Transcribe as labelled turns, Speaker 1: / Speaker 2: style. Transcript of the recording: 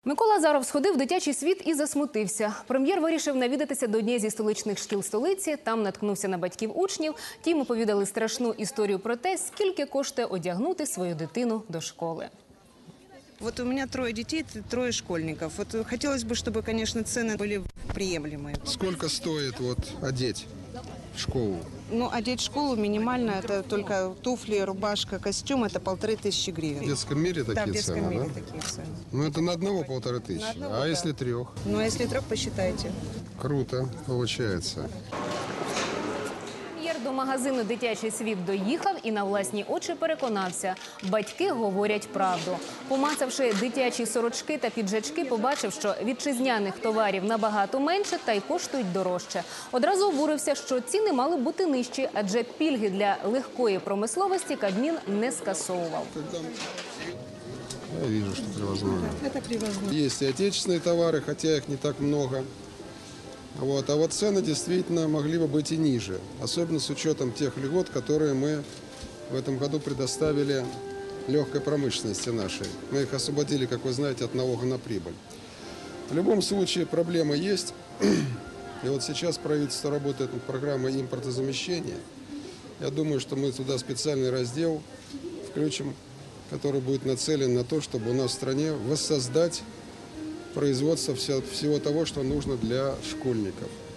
Speaker 1: Микола Азаров сходив в дитячий світ і засмутився. Прем'єр вирішив навідатися до однієї зі столичних шкіл столиці. Там наткнувся на батьків учнів. Ті йому повідали страшну історію про те, скільки коштує одягнути свою дитину до школи.
Speaker 2: Вот у меня 3 детей, 3 школьников. Вот хотелось бы, чтобы, конечно, цены были приемлемые.
Speaker 3: Сколько стоит одеть в школу?
Speaker 2: Ну, одеть в школу минимально, это только туфли, рубашка, костюм, это 1500 гривен.
Speaker 3: В детском мире такие
Speaker 2: Да, в детском
Speaker 3: цены,
Speaker 2: мире
Speaker 3: да?
Speaker 2: такие цены.
Speaker 3: Ну, это на одного 1500.
Speaker 2: На одного,
Speaker 3: А
Speaker 2: да.
Speaker 3: если 3?
Speaker 2: Ну, а если 3, посчитайте.
Speaker 3: Круто получается.
Speaker 1: Прем'єр до магазину «Дитячий світ» доїхав і на власні очі переконався – батьки говорять правду. Помацавши дитячі сорочки та піджачки, побачив, що вітчизняних товарів набагато менше та й коштують дорожче. Одразу обурився, що ціни мали бути нижчі, адже пільги для легкої промисловості Кабмін не скасовував.
Speaker 3: Я вижу, что превозмогает.
Speaker 2: Это превозможно.
Speaker 3: Есть и отечественные товары, хотя их не так много. А вот цены действительно могли бы быть и ниже. Особенно с учетом тех льгот, которые мы в этом году предоставили легкой промышленности нашей. Мы их освободили, как вы знаете, от налога на прибыль. В любом случае проблема есть. И вот сейчас правительство работает над программой импортозамещения. Я думаю, что мы туда специальный раздел включим, который будет нацелен на то, чтобы у нас в стране воссоздать производство всего того, что нужно для школьников.